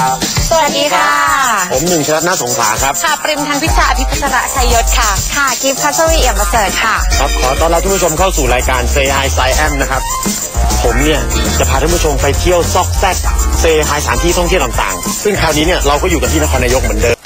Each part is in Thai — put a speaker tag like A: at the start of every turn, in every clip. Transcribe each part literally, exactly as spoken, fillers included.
A: สวัสดีค่ะ
B: ผมหนึ่งชลัดนาสงขลาครับ
A: ค่ะปริมทันพิชาอภิพัชระชัยยศค่ะค่ะกิฟต์พัชวีเอี่ยมประเสริฐค่ะ
B: ครับขอต้อนรับท่านผู้ชมเข้าสู่รายการ Say Hi I Am นะครับผมเนี่ยจะพาท่านผู้ชมไปเที่ยวซอกแซก Say Hi สถานที่ท่องเที่ยวต่างๆซึ่งคราวนี้เนี่ยเราก็อยู่กันที่นครนายกเหมือนเดิม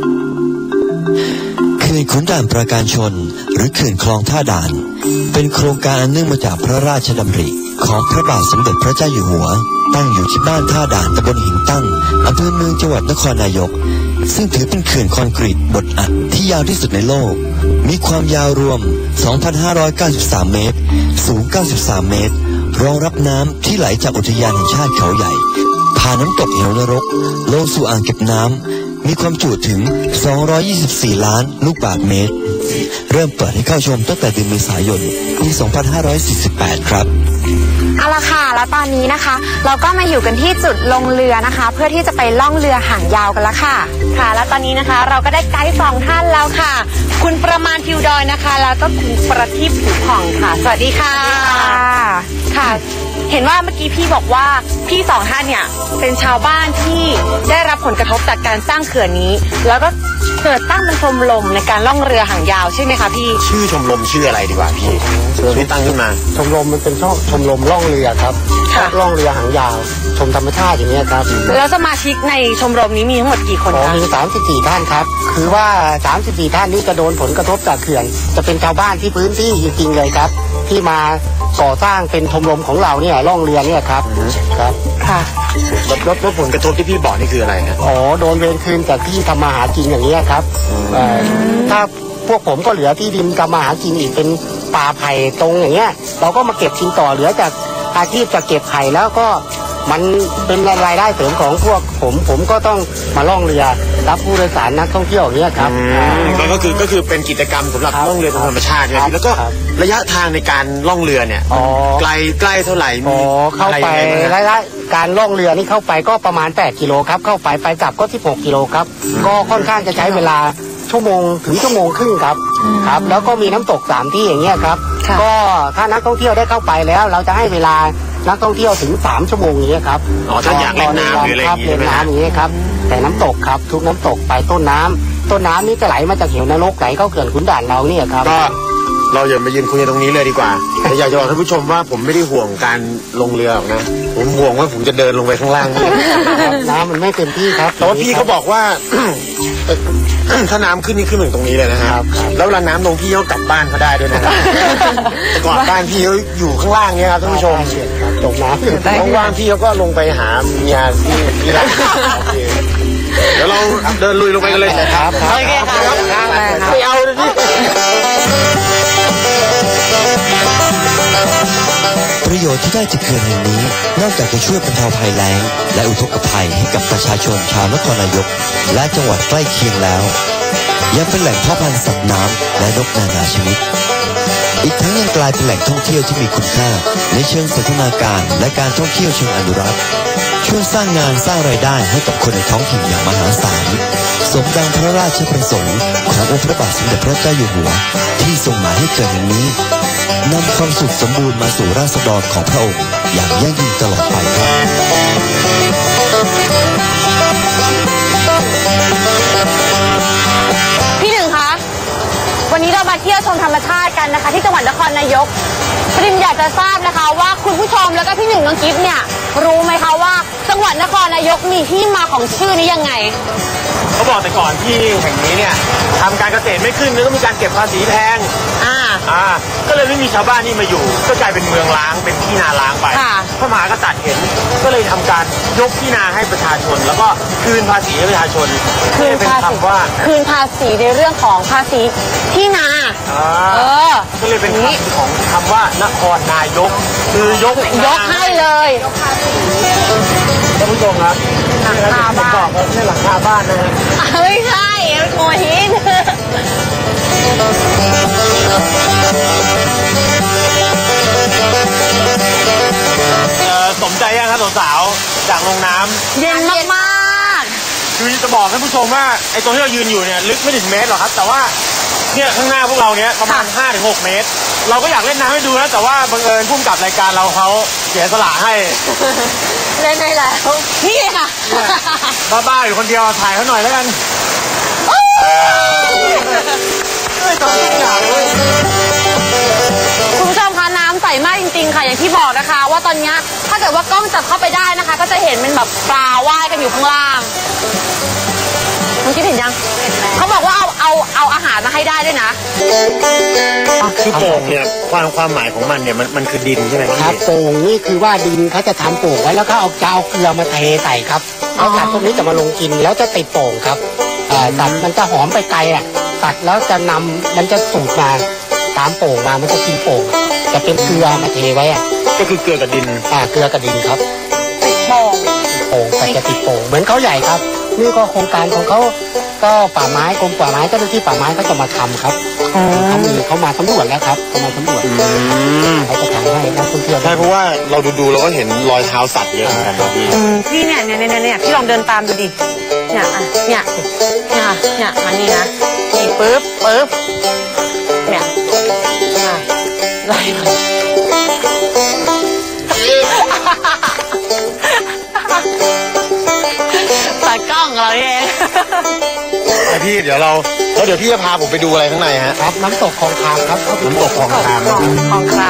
C: เขื่อนขุนด่านปราการชนหรือเขื่อนคลองท่าด่านเป็นโครงการอันเนื่องมาจากพระราชดำริของพระบาทสมเด็จพระเจ้าอยู่หัวตั้งอยู่ที่บ้านท่าด่านตำบลหินตั้งอำเภอเมืองจังหวัดนครนายกซึ่งถือเป็นเขื่อนคอนกรีตบดอัดที่ยาวที่สุดในโลกมีความยาวรวม สองพันห้าร้อยเก้าสิบสาม เมตรสูง เก้าสิบสาม เมตรรองรับน้ำที่ไหลจากอุทยานแห่งชาติเขาใหญ่ผ่านน้ำตกเหวนรกลงสู่อ่างเก็บน้ำมีความจุถึง สองร้อยยี่สิบสี่ ล้านลูกบาศก์เมตรเริ่มเปิดให้เข้าชมตั้งแต่เดือนเมษายนปี สองพันห้าร้อยสี่สิบแปด ครับ
A: เอาละค่ะแล้วตอนนี้นะคะเราก็มาอยู่กันที่จุดลงเรือนะคะเพื่อที่จะไปล่องเรือหางยาวกันแล้วค่ะค่ะแล้วตอนนี้นะคะเราก็ได้ไกด์สองท่านแล้วค่ะคุณประมาณทิวดอยนะคะแล้วก็คุณประทีปผิวผ่องค่ะสวัสดีค่ะค่ะเห็นว่าเมื่อกี้พี่บอกว่าพี่สองท่านเนี่ยเป็นชาวบ้านที่ได้รับผลกระทบจากการสร้างเขื่อนนี้แล้วก็เกิดตั้งเป็นชมรมในการล่องเรือหางยาวใช่ไหมคะพี่
B: ชื่อชมรมชื่ออะไรดีกว่าพี่ชื่อตั้งขึ้นมา
D: ชมรมมันเป็นช่องชมรมล่องเรือครับล่องเรือหางยาวชมธรรมชาติอย่างนี้ครับ
A: แล้วสมาชิกในชมรมนี้มีทั้งหมดกี่คนคะ
D: มีสามสิบสี่ท่านครับคือว่าสามสิบสี่ท่านนี้จะโดนผลกระทบจากเขื่อนจะเป็นชาวบ้านที่พื้นที่จริงๆเลยครับที่มาก่อสร้างเป็นชมรมของเราเนี่ยล่องเรือเนี่ยครับครับ
A: ค่ะ
B: ลดลดผลกระทบที่พี่บอกนี่คืออะไรครับ
D: อ๋อโดนเวรคืนจากที่ทำมาหากินอย่างนี้ครับถ้าพวกผมก็เหลือที่ดินทำมาหากินอีกเป็นป่าไผ่ตรงอย่างเงี้ยเราก็มาเก็บกินต่อเหลือจากอาชีพจะเก็บไผ่แล้วก็มันเป็นรายได้เสริมของพวกผมผมก็ต้องมาล่องเรือรับผู้โดยสารนักท่องเที่ยวอย่างเงี้ยครับ
B: ก็คือก็คือเป็นกิจกรรมสำหรับล่องเรือทางธรรมชาติครับแล้วก็ระยะทางในการล่องเรือเนี่ยไกลใกล้เท่าไหร่
D: มีเข้าไประยะการล่องเรือนี่เข้าไปก็ประมาณแปดกิโลครับเข้าไปไปกลับก็สิบหกกิโลครับก็ค่อนข้างจะใช้เวลาชั่วโมงถึงชั่วโมงครึ่งครับครับแล้วก็มีน้ำตกสามที่อย่างเงี้ยครับก็ถ้านักท่องเที่ยวได้เข้าไปแล้วเราจะให้เวลานักท่องเที่ยวถึงสามชั่วโมงอย่างเงี้ยครับ
B: อ๋อถ้าอยากเล่นน้ำหรืออะไรอย่างเงี้ย
D: เล่นน้ำอย่างเงี้ยครับแต่น้ำตกครับทุกน้ำตกไปต้นน้ำต้นน้ำนี่จะไหลมาจากเหวนรกไหลเข้าเขื่อนขุนด่านเราเนี่ยครับ
B: ก็เราอย่ามายืนคุยตรงนี้เลยดีกว่าแต่อยากจะบอกท่านผู้ชมว่าผมไม่ได้ห่วงการลงเรือหรอกนะผมห่วงว่าผมจะเดินลงไปข้างล่าง
D: น้ำมันไม่เต็มที่ครับ
B: แต่ว่าพี่เขาบอกว่าถ้าน้ำขึ้นนี่ขึ้นถึงตรงนี้เลยนะครับแล้วเวลาน้ำลงพี่เขากลับบ้านเขาได้ด้วยนะครับแต่ก่อนบ้านพี่เขาอยู่ข้างล่างเนี่ยครับท่านผู้ชม
D: ตกน้ำ
B: ว่างๆพี่เขาก็ลงไปหาเมียที่ที่ร้านเดี๋ยวเราเดินลุยลงไปกันเลย
D: ครับ
A: โอเคครับ
B: ไม่เอาเลยพี่
C: ประโยชน์ที่ได้จากเขื่อนแห่งนี้นอกจากจะช่วยบรรเทาภัยแล้งและอุทกภัยให้กับประชาชนชาวนครนายกและจังหวัดใกล้เคียงแล้วยังเป็นแหล่งเพาะพันธุ์สัตว์น้ำและนกนานาชนิดอีกทั้งยังกลายเป็นแหล่งท่องเที่ยวที่มีคุณค่าในเชิงสันทนาการและการท่องเที่ยวเชิงอนุรักษ์ช่วยสร้างงานสร้างรายได้ให้กับคนในท้องถิ่นอย่างมหาศาลสมดังพระราชประสงค์ขององค์พระบาทสมเด็จพระเจ้าอยู่หัวที่ทรงหมายให้เกิดแห่งนี้นำความสุขสมบูรณ์มาสู่ราษฎรของพระองค์อย่างยั่งยืนตลอดไปครับ
A: พี่หนึ่งคะวันนี้เรามาเที่ยวชมธรรมชาติกันนะคะที่จังหวัดนครนายกปริมอยากจะทราบนะคะว่าคุณผู้ชมแล้วก็พี่หนึ่งน้องกิฟต์เนี่ยรู้ไหมคะว่าจังหวัดนครนายกมีที่มาของชื่อนี้ยังไง
B: เขาบอกแต่ก่อนที่แห่งนี้เนี่ยทำการเกษตรไม่ขึ้นแล้วก็มีการเก็บภาษีแพง
A: อ่า
B: อ่าก็เลยไม่มีชาวบ้านนี่มาอยู่ก็กลายเป็นเมืองล้างเป็นที่นาล้างไปพระมหากษัตริย์เห็นก็เลยทำการยกที่นาให้ประชาชนแล้วก็คืนภาษีให้ประชาชน
A: คืนภาษีว่าคืนภาษีในเรื่องของภาษีที่นาเออ
B: ก็เลยเป็นคำของคำว่านครนายกคือยก
A: ยกให้เลย
B: ท่านผู้ชมครับ
A: หลังคาบ้าน
B: บอกว่าไม่หลังคาบ้านนะฮะ
A: ไม่ใช่เป็นโมหิน
B: สมใจยังครับสาวๆจากลงน้ำ
A: เย็นมากๆ
B: คือจะบอกท่านผู้ชมว่าไอ้ตรงที่เรายืนอยู่เนี่ยลึกไม่ถึงเมตรหรอกครับแต่ว่าเนี่ยข้างหน้าพวกเราเนี่ยประมาณ ห้าถึงหก เมตรเราก็อยากเล่นน้ำให้ดูนะแต่ว่าบังเอิญผู้กำกับรายการเราเขาเสียสละให้
A: เล่นได้แล้วนี่ค่ะ
B: บ้าๆอยู่คนเดียวถ่ายเขาหน่อยแล้วกันเฮ้ยตอนนี้อยากเลย
A: คุณผู้ชมคะน้ำใสมากจริงๆค่ะอย่างที่บอกนะคะ ว่าตอนนี้ถ้าเกิดว่ากล้องจับเข้าไปได้นะคะ ก็จะเห็นเป็นแบบปลาว่ายกันอยู่ข้างล่างคุณคิดเห็นยังเขาบอกว่าเอาเอาเอาอาหารมาให้ได้ด้วยนะ
B: คือโป่งเนี่ยความความหมายของมันเนี่ยมันมันคือดินใช่ไหม
D: ครับโป่งนี่คือว่าดินเขาจะทำโป่งไว้แล้วก็เอาจะเอาเกลือมาเทใส่ครับแล้วสัตว์พวกนี้จะมาลงกินแล้วจะติดโป่งครับเอ่อสัตว์มันจะหอมไปไกลอ่ะตัดแล้วจะนำมันจะสูดมาตามโป่งมามันจะกินโป่งจะเป็นเกลือมาเทไว้อ่ะ
B: ก็คือเกลือกับดิน
D: อ่าเกลือกับดินครับ
A: ติดโป่ง
D: โป่งแต่จะติดโป่งเหมือนเขาใหญ่ครับนี่ก็โครงการของเขาก็ป่าไม้กรมป่าไม้เจ้าหน้าที่ป่าไม้ก็จะมาทำครับเขามีเขามาสำรวจแล้วครับเขามาสำรวจเขาจะทำให้นักท่องเที่ยว
B: ใช่เพราะว่าเราดูดูๆเราก็เห็นรอยเท้าสัตว์เยอะเหมือนกันนะพี่
A: พี่เนี่ยเนี่ยเนี่ยเนี่ยพี่ลองเดินตามดูดิเนี่ยอ่ะเนี่ยเนี่ยเนี่ยมานี่นะนี่ปึ๊บปึ๊บเนี่ยอ่ะไล่มาตากล้องเราเอง
B: ไอพี่เดี๋ยวเราแล้วเดี๋ยวพี่จะพาผมไปดูอะไรข้างในฮะ
D: ครับน้ำตกคลองคามครับ
B: น้ำตกคลองคาม
A: คลองคราม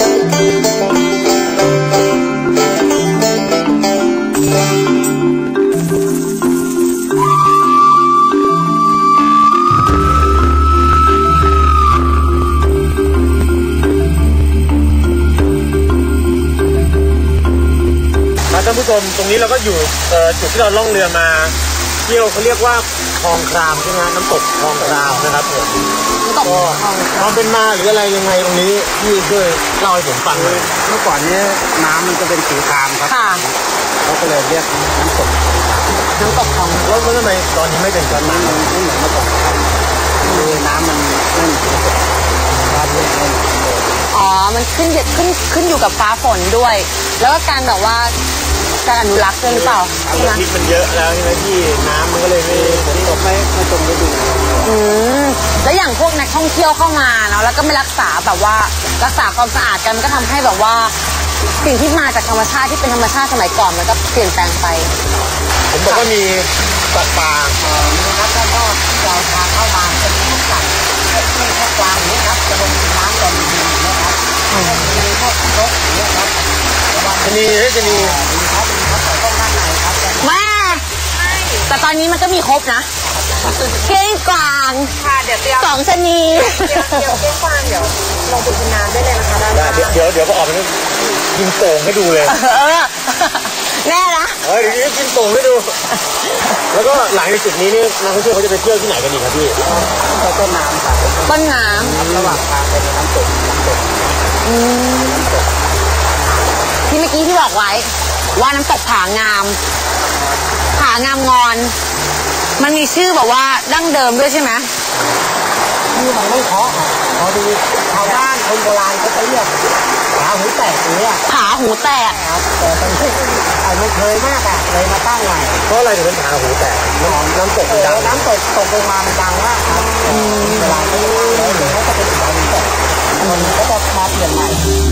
B: ท่านผู้ชมตรงนี้เราก็อยู่เอ่อจุดที่เราล่องเรือมาเที่ยวเขาเรียกว่าคลองครามใช่ไหมน้ำตกคลองครามนะครับผม
A: น้ำตกคลองคราม
B: ความเป็นมาหรืออะไรยังไงตรงนี้พี่ช่วยเล่าให้ผมฟังเลย
D: เมื่อก่อนนี้น้ำมันจะเป็นสีครามครับ
A: ค่ะ
D: เขาก็เลยเรียกน้ำตก
A: น้ำตกคลอง
B: แล้วแล้วทำไมตอนนี้ไม่เป็นแบบนั้น
D: มันไม่เหมือนเมื่อก่อนครับคือน้ำมันไม่เหมือนเมื่อก่อนน้ำไม่เหมือน
A: อ๋อมันขึ้นอยู่ขึ้นขึ้นอยู่กับฟ้าฝนด้วย แล้วก็การแบบว่าการอนุรักษ์ด้วยหรือเปล่าใช่ไหม
B: พิษมันเยอะแล้วใช่ไหมพี่น้ำมันก็เลยไม่
D: ฝนตกไม่ไม่ตรงฤดู
A: อืมแล้วอย่างพวกนักท่องเที่ยวเข้ามาเนาะแล้วก็ไม่รักษาแบบว่ารักษาความสะอาดกันมันก็ทำให้แบบว่าสิ่งที่มาจากธรรมชาติที่เป็นธรรมชาติสมัยก่อนมันก็เปลี่ยนแปลงไป
B: ผมบอกว่ามีสัตว์ป่า
D: นะครับแล้วก็เราทางเข้ามาจะมีพวกสัตว์พวกพึ่งพวกกวางอย่างนี้ครับจะลงน้ำก่อนดีนะครับมีพวกนกอย่างนี้ครับ
B: ชะนีเฮ้ยชะนี
D: มีครับมีครับแต่ต้องด้านในครับ
A: แม่แต่ตอนนี้มันก็มีครบนะเก้งกวาง
E: ค่ะเดี๋ยวเตรียม
A: สองชะนี
E: เดี๋ยวเดี๋ยวเก้งกวางเดี๋ยวลงไปกินน้ำได้เลยนะคะด้าน
B: ได้
E: ล่าง
B: เดี๋ยวเดี๋ยวเดี๋ยวก็ออกไปนู่นกินโป่งให้ดูเลย
A: เออแน่นะ
B: เฮ้ยเดี๋ยวนี้กินโป่งให้ดู แล้วก็หลังจากจุดนี้นี่นักท่องเที่ยวเขาจะไปเที่ยวที่ไหนกันอีกครับพี่
D: ก็ต้นน้ำครับ
A: ต้นน้
D: ระหว่างทางเป็นน้ำตกน้ำตก
A: ำอืมที่เมื่อกี้ที่บอกไว้ ว่าน้ำตกผางาม ผางามงอน มันมีชื่อแบบว่าดั้งเดิมด้วยใช่ไหม
D: ที่มันไม่เพาะครับพอดีชาวบ้านคนโบราณเขาจะเรียกขาหูแตกอย่างเงี้ย
A: ผาหูแตก
D: ครับแต่ตอนนี้อายุเคยมากอ่ะเลยมาตั้งใหม่
B: เพราะอะไรถึงเป็นผาหูแตกน้ำน้ำตก
D: เอ
B: มันดั
D: อง น้ำตกตกลงมามันดังมากครับเวลาเขาตั้งแล้วเดี๋ยวเขาจะเป็นขาหูแตกคนก็จะมาเปลี่ยนใหม่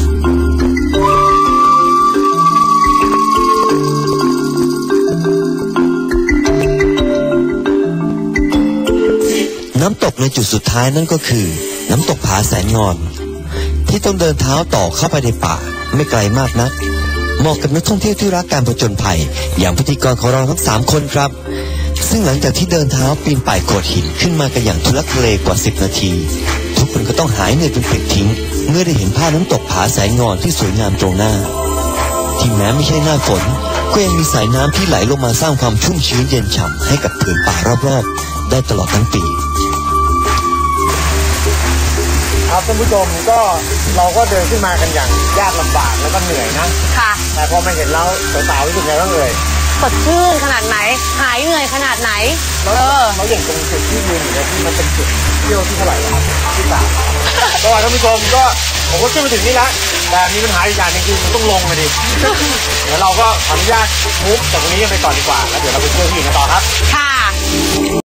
C: น้ำตกในจุดสุดท้ายนั่นก็คือ น้ำตกผาแสนงอน ที่ต้องเดินเท้าต่อเข้าไปในป่าไม่ไกลมากนักเหมาะกับนักท่องเที่ยวที่รักการผจญภัยอย่างพิธีกรของเราทั้งสามคนครับ ซึ่งหลังจากที่เดินเท้าปีนป่ายโขดหินขึ้นมากันอย่างทุลักทุเลกว่าสิบนาที ทุกคนก็ต้องหายเหนื่อยเป็นปลิดทิ้ง เมื่อได้เห็นภาพน้ำตกผาแสนงอนที่สวยงามตรงหน้า ที่แม้ไม่ใช่หน้าฝนก็ยังมีสายน้ำที่ไหลลงมาสร้างความชุ่มชื้นเย็นฉ่ำให้กับผืนป่ารอบๆได้ตลอดทั้งปี
B: ครับท่านผู้ชมก็เราก็เดินขึ้นมากันอย่างยากลำบากแล้วก็เหนื่อยนะ
A: ค่ะ
B: แต่พอมาเห็นแล้วสาวๆรู้สึกไงบ้างเอ่ย
A: สดชื่นขนาดไหน หายเหนื่อยขนาดไหน เออ
B: แล้วอย่างตรงจุดที่ยืนอยู่เนี่ยที่มันเป็นจุดเที่ยวที่เท่าไหร่ครับที่สามก็ท่านผู้ชมก็ผมก็ขึ้นมาถึงนี่แล้วแต่มีปัญหาอีกอย่างหนึงคือมันต้องลงมาดิ เดี๋ยวเราก็ขออนุญาตมุกจากตรงนี้กันไปก่อนดีกว่าแล้วเดี๋ยวเราไปเที่ยวที่อื่นกันต่อครับ
A: ค่ะ